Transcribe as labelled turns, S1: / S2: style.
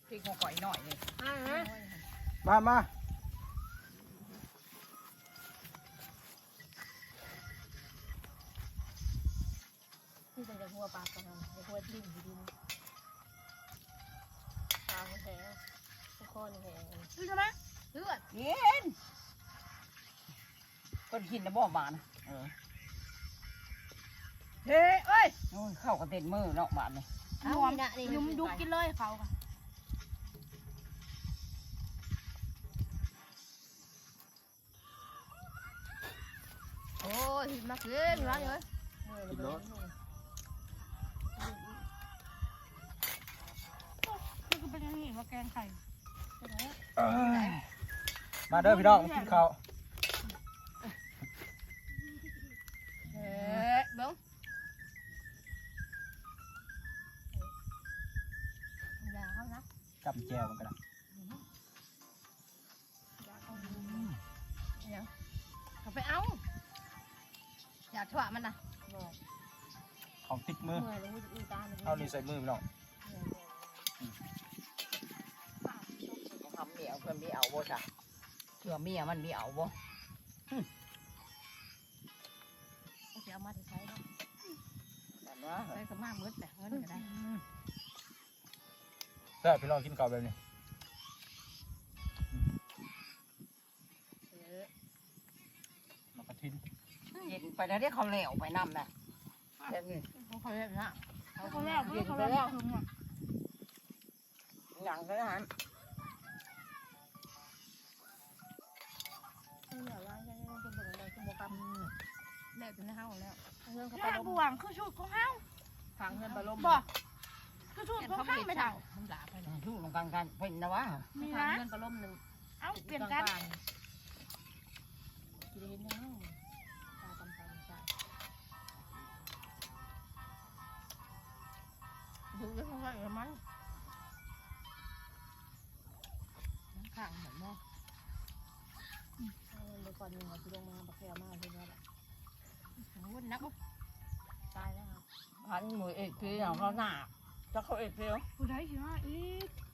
S1: พริกหัวก่อยหน่อยเลย
S2: มา
S3: ที่เป็นจะหัวปลาตรงนั้นจะหัวดิ้นดินปลาแห้งข้อนี่แห้งซื้อใช่ไหมซื้อ
S1: เย็นก้นหินนะบ่บานเฮ้เอ้ยนู่นเข้ากระเต็นมือเนาะบานเลย
S3: รวมยุ่มดุกกินเลยเขาค่ะโอ้ยมาเกินร้านเลยนี่ก็เป็นอย่างนี้ว่าแกงไข่
S2: มาเด้อพี่น้องกินข้าว
S3: เบิ้งอย่าเขานะ
S2: จำแจวมันกันนะ
S3: เขาไปเอาอย่าถั่วมันนะ
S2: ของติดมือ
S3: เมื่อยเลยอีตาเลย
S2: เอานี่ใส่มือพี่น้อง
S1: ต้องทำเมียเพื่อนมีเอาบ่จ้ะเพื่อเมียมันมีเอาบ่
S3: เขาจะเอามาใช้เนาะ
S1: แบบว่า
S3: ใช้กับมามืดแต่เงินก็ได้
S2: แซ่บพี่น้องกินข้าวแบบนี้มากระทิน
S1: เย็นไปแล้วได้เขาเหลวไปน้ำนะเดี๋ยวนี้
S3: เขาเรียกนะ
S1: เขาแล้วเย็นไปแล้วหนังก็ได้ฮะ
S3: เหลือร้านยังเป็นเบอร์อะไรเป็นโบกัมแล้วเป็นห้าวแล้วเงินเขา
S4: แม่
S3: ไปล
S4: บ
S3: ง
S4: วงคือชุดของเฮา
S3: ทางเงินไปลง
S4: บ่คือชุด
S3: เห็น
S4: ของ
S3: เขา
S4: เฮา
S3: ไม่
S4: ไม่
S3: เช่า
S4: เท่า
S3: มันด่าไปเลย
S1: ชู้ลงกันเป็นนะวะ
S4: มี
S3: ทาง
S4: นะ
S3: เงินไปล้มหนึ่ง
S4: เอ้าเปลี่ยนกัน
S3: กินเห็นยังตาตำตาใช่ดูแล้วเขาก็อย่างมันข้างเหมือนแม่เมื่อก่อนนึงเขาจะลงมาบักแก้วมาที่นี่แหละวุ่นนักตายแล้ว
S1: พันมือเอกคืออย่างเขาหนาจะเขาเอกเดียว
S4: ผู้ใดสิว่าอีก